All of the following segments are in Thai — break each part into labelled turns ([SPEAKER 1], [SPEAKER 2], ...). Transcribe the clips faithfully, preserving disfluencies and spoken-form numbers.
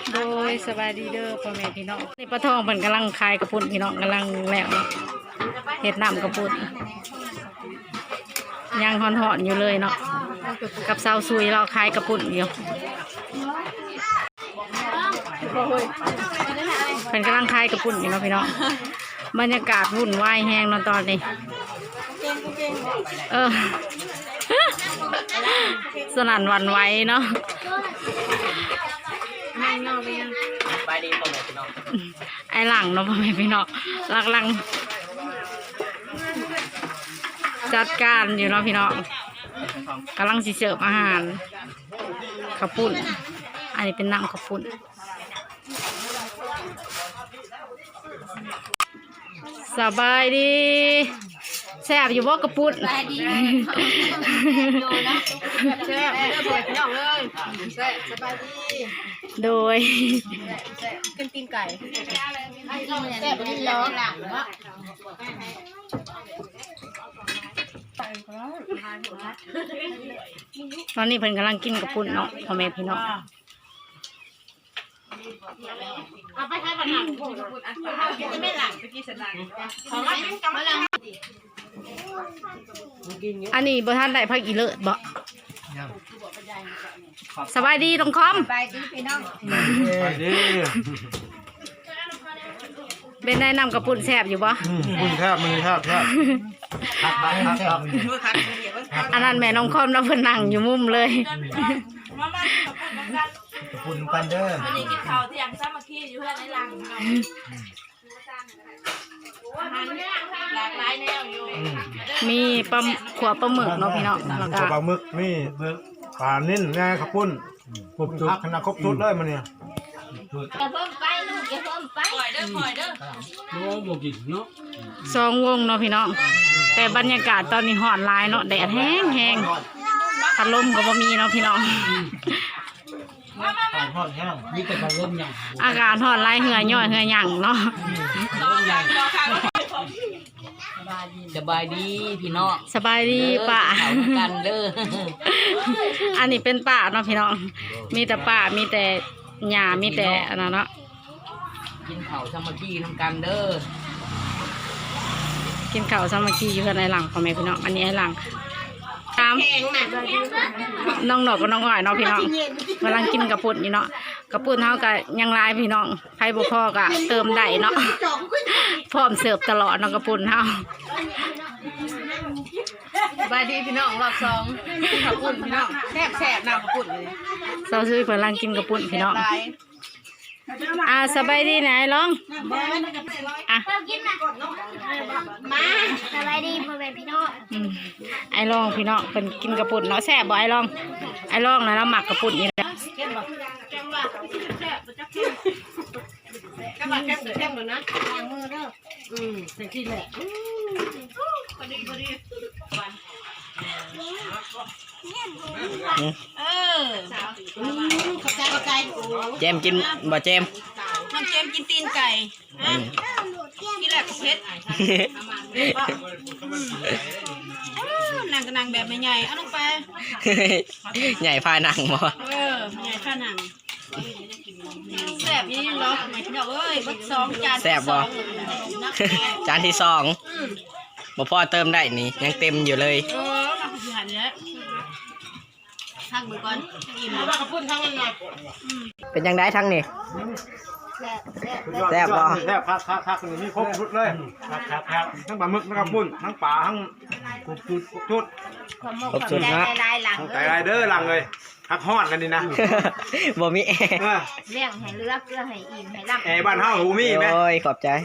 [SPEAKER 1] โดยสบายดีเด้อพ่อแม่พี่น้องนี่ป้าทองเป็นกำลังคายกระปุ่นพี่น้องกำลังแล้วเนาะเห็ดน้ำกระปุ่นยังหอนๆอยู่เลยเนาะกับสาวซุยเราคายกระปุ่นอยู่เป็นกำลังคายกระปุ่นอยู่เนาะพี่น้องบรรยากาศวุ่นวายแห้งเนาะตอนนี้เออสนั่นหวั่นไหวเนาะไอ้หลังเนาะพ่อแม่พี่น้องหลักหลังจัดการอยู่เนาะพี่น้องกำลังสิเสิร์ฟอาหารข้าวปุ้นอันนี้เป็นน้ำข้าวปุ้นสบายดีแซ่บอยู่บ่กระปุ้นสบายดีแซ่บเด้อพ่อพี่น้องเลยแซ่บสบายดีโดยกินตีนไก่แซ่บดีร้อนตอนนี้เพิ่นกำลังกินกระปุ้นเนาะพ่อแม่พี่น้องเอาไปให้ปัญหาของผมจะไม่หลังไปกินสลัดของเราเป็นกำลังอันนี้บ่ท่านได้พักอีเลิศบ่สบายดีตรงคอมสบายดีพี่น้องสบายดีเป็นได้นำกระปุ่นแซ่บอยู่บ่ปุ่นแซ่บมือแซ่บแซ่บอันนั้นแม่น้องคอมเราเพิ่นนั่งอยู่มุมเลย
[SPEAKER 2] กระปุ่นกันเด้อ
[SPEAKER 3] วันนี้กินข้าวเที่ยงซ้ำมาขี้อยู่เพื่อนในรังหลากหลายแนวอยู่
[SPEAKER 1] มีปลาขวบปลาหมึกเนาะพี่น้องแล้วก็
[SPEAKER 2] ปลาหมึกมีปลานิ่นแง่ข้าวปุ้นครบจุดขนาดครบจุดเลยมันเนี่ย
[SPEAKER 3] อย่าเพิ่มไปลูกอย่าเพิ่มไปปล่อยเด้อปล่อยเด้อ
[SPEAKER 1] โอ้โหกินเนาะสองวงเนาะพี่น้องแต่บรรยากาศตอนนี้ร้อนหลายเนาะแดดแห้งแห้งพัดลมก็บ่มีเนาะพี่น้องอากาศร้อนหลายเหื่อย่อยเหื่อหยั่งเนาะ
[SPEAKER 4] สบายดีพี่น้อง
[SPEAKER 1] สบายดีป่า
[SPEAKER 4] กันเด้อ
[SPEAKER 1] อันนี้เป็นป่าเนาะพี่น้องมีแต่ป่ามีแต่หญ้ามีแต่อันนั้นเนาะ
[SPEAKER 4] กินข้าวสามัคคีทำกันเด้อ
[SPEAKER 1] กินข้าวสามัคคีอยู่กันในหลังพ่อแม่พี่น้องอันนี้ไอ้หลังตามน้องหนอกกับน้องอ้อยเนาะพี่น้องกำลังกินกระปุ้นอยู่เนาะกระปุ้นเท่ากับยังลายพี่น้องไผ่บุพอกะเติมได้เนาะพร้อมเสิร์ฟตลอดเนาะกระปุ้นเท่า
[SPEAKER 3] บายดีพี่น้องรอบสองกระปุ้นพี่น้องแซ่บแซ่บน้ำกระปุ้นเลย
[SPEAKER 1] เซาซื้อกำลังกินกระปุ้นพี่น้องอ่าสบายดีไหนลองอ่ะ
[SPEAKER 3] มาสบายดีพ่อแม่พี่น้อง
[SPEAKER 1] ไอ้ลองพี่น้องเป็นกินกระปุ้นเนาะแซ่บบ่ไอ้ลองไอ้ลองนะเราหมักกระปุ้นนี่แหละ
[SPEAKER 3] กระบะแคบแคบเลยนะวางมือเด้ออืมเสร็จที่แหละพอดีพอดีเออขอบใจขอบใจ
[SPEAKER 4] เจมกินบ่เจม
[SPEAKER 3] น้องเจมกินตีนไก่กินแหลกเพชรนางกระนางแบบใหญ่เอาลงไป
[SPEAKER 4] ใหญ่พานังบ่
[SPEAKER 3] เออใหญ่พานังแซ่บยี่เหรอหมายถึงเอ้ยบัดสองจาน
[SPEAKER 4] แซ่บบ่จานที่สองบ่พอเติมได้นี่ยังเต็มอยู่เลย
[SPEAKER 3] เออมาคือหันเนี้ยทักมือก่อนอิ่มแล้วกระปุ้นทั้งนั้นเลย
[SPEAKER 4] เป็นยังไงทั้งนี่
[SPEAKER 2] แซ่บบ่แซ่บคักคักคักนี่ครบชุดเลยคักคักคักทั้งปลาหมึกทั้งกระปุ้นทั้งปลาทั้งครบชุดครบชุด
[SPEAKER 4] ครบชุดนะ
[SPEAKER 2] ไก่ไรเด้อหลังเลยฮักฮอดกันดีนะ
[SPEAKER 4] บ่มีแอร์
[SPEAKER 3] เลี้ยงให้เลือกเพื่อให้อิ่มให้ร่ำ
[SPEAKER 2] แอร์บ้านเฮาหูมีไหม
[SPEAKER 4] โอ้ยขอบใจ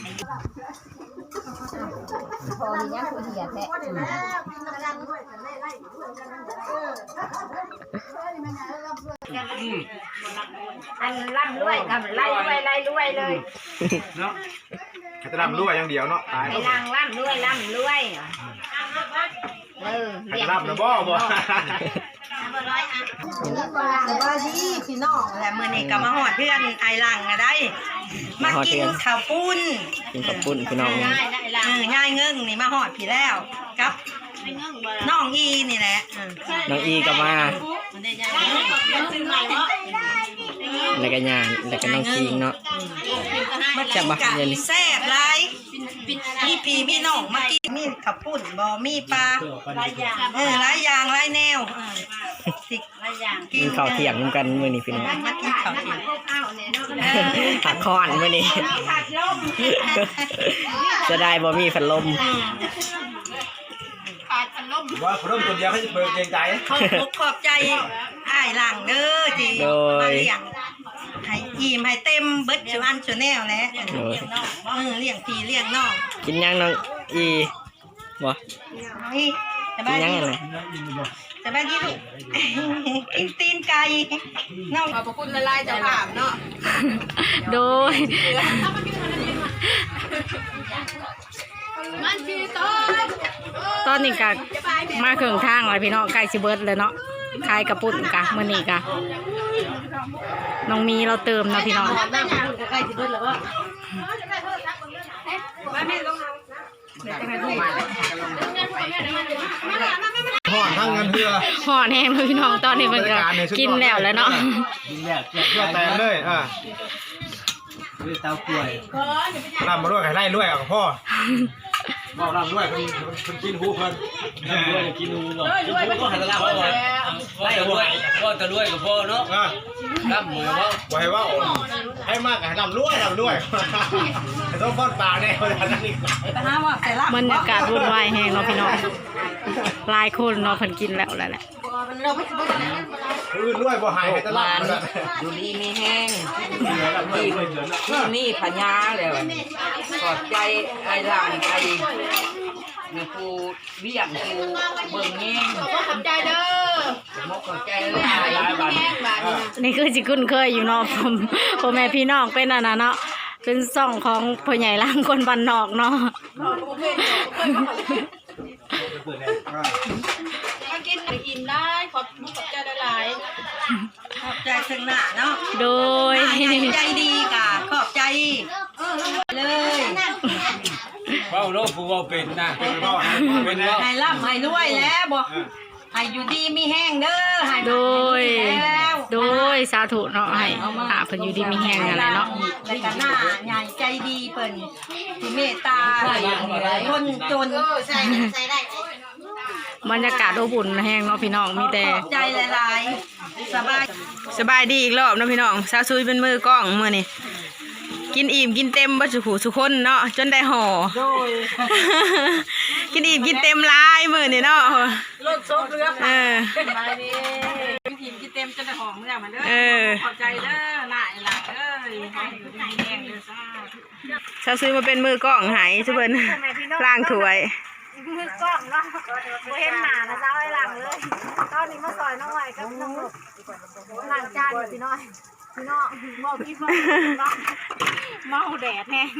[SPEAKER 3] พอมีเนี้ยคือเหี่ยแท้อันร่ำรวยกับไล่รวยไล่รวยเลย
[SPEAKER 2] เนาะจะร่ำรวยอย่างเดียวเนาะ
[SPEAKER 3] ไอ้นางร่ำรวยร่ำรวยเออ
[SPEAKER 2] เรียกร่ำนะบ่บ่
[SPEAKER 3] สบายดีพี่น้องแหละมื้อนี้ก็มาฮอดเพื่อนไอ้หลังได้มากินข้าวปุ้น
[SPEAKER 4] กินข้าวปุ้นพี่น้อง
[SPEAKER 3] ง่ายได้หลังเออง่ายเงิ่งนี่มาฮอดพี่แล้วกับน้องอีนี่แหละ
[SPEAKER 4] น้องอีก็มา
[SPEAKER 3] มันได้ใหญ่ซื้อใหม่เนาะ
[SPEAKER 4] แล้วก็ยานแล้วก็น้องคิงเนาะ
[SPEAKER 3] มา
[SPEAKER 4] จะ
[SPEAKER 3] กิน
[SPEAKER 4] มา
[SPEAKER 3] กัน
[SPEAKER 4] เย็น
[SPEAKER 3] แซ่บไรมีปีมีน้องมากินมีขับปุ่นบ่มีปลาหลายอย่างเออหลายอย่างหลายแนวสิหลายอย่าง
[SPEAKER 4] กินข้าวเที่ยงนำกันมื้อนี้พี่น้อง
[SPEAKER 3] มากินข้าวเที่ยง
[SPEAKER 4] ผักคอนมื้อนี้จะได้บ่มีพัดลม
[SPEAKER 2] ว่าเขาเริ่มคนเดียวเขาจะเปิดเกรงใจ
[SPEAKER 3] ขอบคุณขอบใจอ้ายหลังเด้อที่มาเลี้ยงให้อิ่มให้เต็มเบิดสุอันสุแนวแหละเออเลี้ยงพี่เลี้ยงน้อง
[SPEAKER 4] กินยังน้องอีบ่
[SPEAKER 3] นี่ส
[SPEAKER 4] กิ
[SPEAKER 3] บาน ย
[SPEAKER 4] ยัง
[SPEAKER 3] ดี
[SPEAKER 4] อะไร
[SPEAKER 3] สบายดีลูกกินตีนไก่น้องขอบพระคุณละลายเจ้าภาพเนาะ
[SPEAKER 1] โดยตอนนี้กะมาเครื่องทางเลยพี่น้องใกล้สิเบิดเลยเนาะขายกระปุ่นกะมื้อนี้กะน้องมีเราเติมนะพี่น้อง
[SPEAKER 3] ใกล้สิเบิดแล้วก็
[SPEAKER 2] ห่อนทั้งเงินเพื่อ
[SPEAKER 1] ห่อนแห้งเลยพี่น้องตอนนี้มันก็กินแล้วแล้วเนาะ
[SPEAKER 2] เพื่อแต่เลยอ่ะ
[SPEAKER 4] เตาป่วย
[SPEAKER 2] รำมาด้วยไข่ไล่ด้วยอ่ะพ่อบอกรำด้วยคนคนกินหูเพิ่น
[SPEAKER 5] ด้วยกินนูเนาะกินนูก็หันตะลาพ่อไล่ด้วยพ่อตะลุยกับพ่อเนาะ
[SPEAKER 2] อ่ะ
[SPEAKER 5] รับมือว่า
[SPEAKER 2] ไว้ว่าให้มากกับรำด้วยรำด้วยต้องป้อนปากแน่เลยอันนั้นอีก
[SPEAKER 3] ไปหาว่าแต่ละ
[SPEAKER 1] บรรยากาศวุ่นวายแห้งเนาะพี่น้องหลายคนเนาะเพิ่นกินแล้วแล้วแหละ
[SPEAKER 3] เราไม่สิเบิด
[SPEAKER 2] อื่นด้วยบ่หายให้ตลาด
[SPEAKER 6] อยู่ดีมีแห้งที่ที่มีพญาแล้วขอบใจไอ้หลังไอ้มีครูเบี้ยงครูเบิ่งแง่งขอบใจเด้อมกขอบใจเลยหลายบาท
[SPEAKER 1] นี่คือสิคุ้นเคยอยู่เนาะผมพ่อแม่พี่น้องเป็นอันนั้นเนาะเป็นซ่องของพ่อใหญ่ล่างคนบ้านนอกเนาะ
[SPEAKER 3] มากินอิ่มได้ขอบขอบใจหลายขอบใจถึงหน้าเนาะ
[SPEAKER 1] โดย
[SPEAKER 3] ใจดีกะขอบใจเลย
[SPEAKER 5] เฝ้าโลกผู้ว่าเป็นนะเป็นว่า
[SPEAKER 3] ให้ร่ำให้รวยแล้วบ่ให้อยู่ดีมีแห้งเด้อให้
[SPEAKER 1] โดย
[SPEAKER 3] แล้ว
[SPEAKER 1] โดยสาธุเนาะให้หาเพิ่นอยู่ดีมีแฮงอะไรเนาะ
[SPEAKER 3] แล้วก็หน้าใหญ่ใจดีเพิ่นที่เมตตาคนจนใส่ใส่ได้
[SPEAKER 1] บรรยากาศอบอุ่นแห้งเนาะพี่น้องมีแต่
[SPEAKER 3] ใจหลายๆสบาย
[SPEAKER 4] สบายดีอีกรอบเนาะพี่น้องสาวซุยเป็นมือกล้องมื้อนี้กินอิ่มกินเต็มบ่สุขุสุคนเนาะจนได้ห่อ
[SPEAKER 3] โดย
[SPEAKER 4] กินอิ่มกินเต็มหลายมื้อนี้เนาะ
[SPEAKER 3] รถโซเรือ
[SPEAKER 4] เออ
[SPEAKER 3] สบายดีทีมที่เต็มจนได้หอมเมื่อมาเด้อ
[SPEAKER 4] เออ
[SPEAKER 3] ขอบใจเด้อหน้าหลักเด้อให้อยู่ดีมีแห้งเด้อซ่า
[SPEAKER 4] สาวซุยมาเป็นมือกล้องให้ซุเพิ่นล้างถ้วย
[SPEAKER 7] มือกล้องเนาะบ่เห็นหน้านะเจ้าไอ้หลังเลย ตอนนี้มาซอยน้องไหวกับน้องหลบหลังจานอยู่พี่น้อยพี่น้องบอกพี่บอกเนาะเมาแดดแห้ง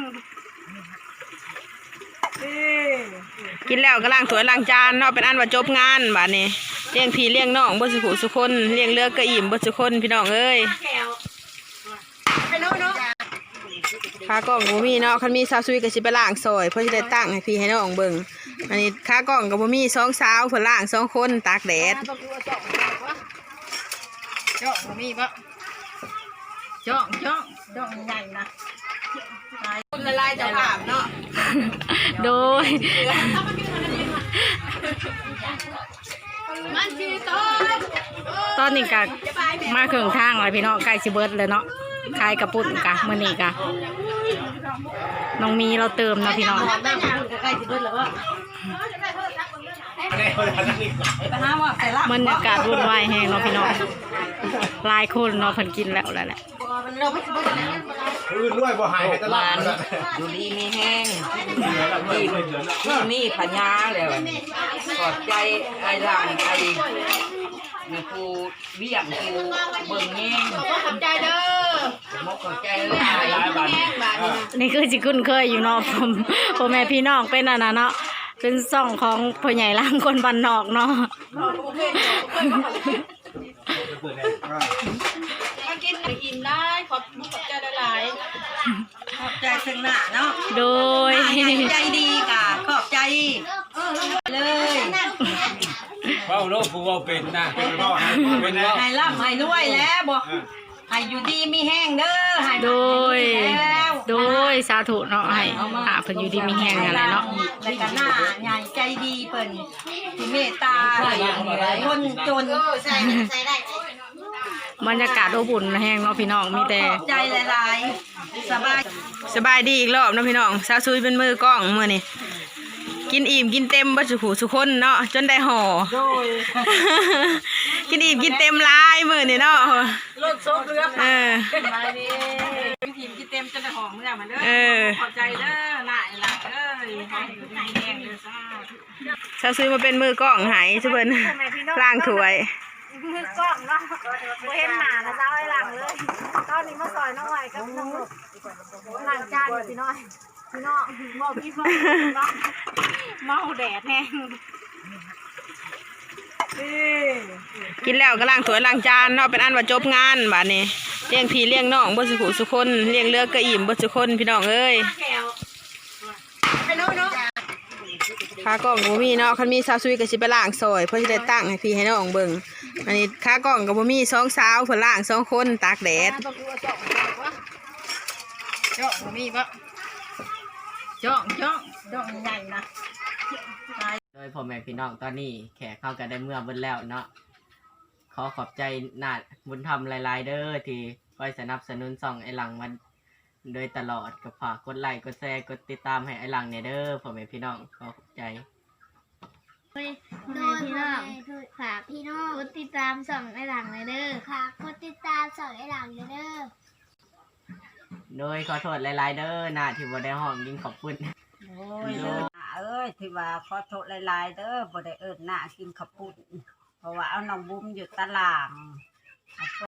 [SPEAKER 4] กินแล้วก็ล้างถ้วยล้างจานเนาะเป็นอันว่าจบงานบัดนี้เลี้ยงพี่เลี้ยงน้องบ่สุขุสุคนเลี้ยงเลือกก็อิ่มบ่สุคนพี่น้องเอ้ย
[SPEAKER 3] ไปโน่เนาะ
[SPEAKER 4] ขากล้องบ่มีเนาะคันมีสาวซุยก็สิไปล้างซอยเพื่อสิได้ตั้งให้พี่ให้น้องเบิ่งอันนี้ขากล้องก็บ่มีสองสาวเพิ่นล้างสองคนตากแดด
[SPEAKER 3] จ้องมีปะจ้องจ้องจ้องใหญ่นะคุณละลายเจ้าภาพเนาะ
[SPEAKER 1] โดย ตอนนี้กะมาเครื่องทางเลยพี่น้องใกล้สิเบิดเลยเนาะขายกระปุ่นกะมื้อนี้กะน้องมีเราเติมนะพี่น้อง
[SPEAKER 3] ใกล้สิเบิดแล้วก็
[SPEAKER 2] แน่เลยอันนั้นอีก
[SPEAKER 3] ไปหาว่าแต่ละ
[SPEAKER 1] บรรยากาศวุ่นวายแห้งเนาะพี่น้องหลายคนเนาะเพิ่นกินแล้วแล้วแหละ
[SPEAKER 3] เราไม่สิเบิดแล้ว
[SPEAKER 2] อื่นด้วยบ่หายให้ตลาด
[SPEAKER 6] อยู่ดีมีแห้งที่ที่มีพญาแล้วขอบใจไอ้หลังไอ้มีครูเบี้ยงครูเบิ่งแง่งขอบใจเด้อมกขอบใจเลยหลายบาท
[SPEAKER 1] นี่คือสิคุ้นเคยอยู่เนาะผมพ่อแม่พี่น้องเป็นอันนั้นเนาะเป็นซ่องของพ่อใหญ่ล่างคนบ้านนอกเนาะ
[SPEAKER 3] มากินอิ่มได้ขอบขอบใจหลายขอบใจถึงหน้าเนาะ
[SPEAKER 1] โดย
[SPEAKER 3] ใจดีกะขอบใจเลย
[SPEAKER 5] เฝ้าโลกผู้ว่าเป็นนะเป็นว่า
[SPEAKER 3] ให้ร่ำให้รวยแล้วบ่ให้ให้อยู่ดีมีแห้งเด้อให้
[SPEAKER 1] โดย
[SPEAKER 3] แล้ว
[SPEAKER 1] โดยสาธุเนาะให้หาเพิ่นอยู่ดีมีแฮงอะไรเนาะ
[SPEAKER 3] แล้วก็หน้าใหญ่ใจดีเพิ่นที่เมตตาคนจน
[SPEAKER 1] บรรยากาศอบอุ่นแฮงเนาะพี่น้องมีแต่
[SPEAKER 3] ขอบใจหลายๆสบาย
[SPEAKER 4] สบายดีอีกรอบเนาะพี่น้องสาวซุยเป็นมือกล้องมื้อนี้กินอิ่มกินเต็มบ่สุขุสุคนเนาะจนได้ห่อ กินอิ่มกินเต็มหลายมื้อนี้เนาะ
[SPEAKER 3] รถโซเรือ
[SPEAKER 4] เออ
[SPEAKER 3] ไปดิกินกินเต็มจนได้หอมเมื่อมันเด้อ
[SPEAKER 4] เออ
[SPEAKER 3] ขอบใจเด้อหน้าหลักเด้อให้อยู่ดีแห้งเด้อซ่า
[SPEAKER 4] สาวซุยมาเป็นมือกล้องใหายซุเพิ่นล้างถ้วย
[SPEAKER 7] มือกล้องเนาะบ่เห็นหน้านะเจ้าไอ้หลังเลยตอนนี้มาซอยน้องอ้อยกับน้องลูกหลังจานอยู่พี่น้อยพี่น้องบอกพี่น้องเนาะเมาแดดแห้ง
[SPEAKER 4] กินแล้วก็ล้างถ้วยล้างจานเนาะเป็นอันว่าจบงานบัดนี้เลี้ยงพี่เลี้ยงน้องบ่สุขุสุคนเลี้ยงเลือกก็อิ่มบ่สุคนพี่น้องเอ้ย
[SPEAKER 3] ไปเนาะเนาะ
[SPEAKER 4] ขากล้องบ่มีเนาะคันมีสาวซุยก็สิไปล้างซอยเพื่อสิได้ตั้งให้พี่ให้น้องเบิ่งอันนี้ขากล้องก็บ่มีสองสาวเพิ่นล้างสองคนตากแดด
[SPEAKER 3] จ้องมีบ่จ้องจ้องจ้องใหญ่นะ
[SPEAKER 6] โดยพ่อแม่พี่น้องตอนนี้แขกเข้ากันได้เมื่อเบิ่นแล้วเนาะขอขอบใจนาดบุญธรรมหลายๆเด้อที่คอยสนับสนุนส่องไอ้หลังมันโดยตลอดก็ฝากกดไลค์กดแชร์กดติดตามให้ไอ้หลังเนี่ยเด้อพ่อแม่พี่น้องขอขอบใจ
[SPEAKER 8] โดยพี่น้องฝากพี่น้องกดติดตามส่องไอหลังเลยเด้อฝากกดติดตามส่องไอหลังเลยเด้อ
[SPEAKER 6] โดยขอโทษหลายๆเด้อนาที่บ่ได้ห้องยิงขอบคุณ
[SPEAKER 3] โอ้ยเด้อเอ้ยที่ว่าขอโทษหลายๆเด้อบ่ได้เอิ้นหน้ากินข้าวปุ้นเพราะว่าเอาน้องบุ้มอยู่ตาราง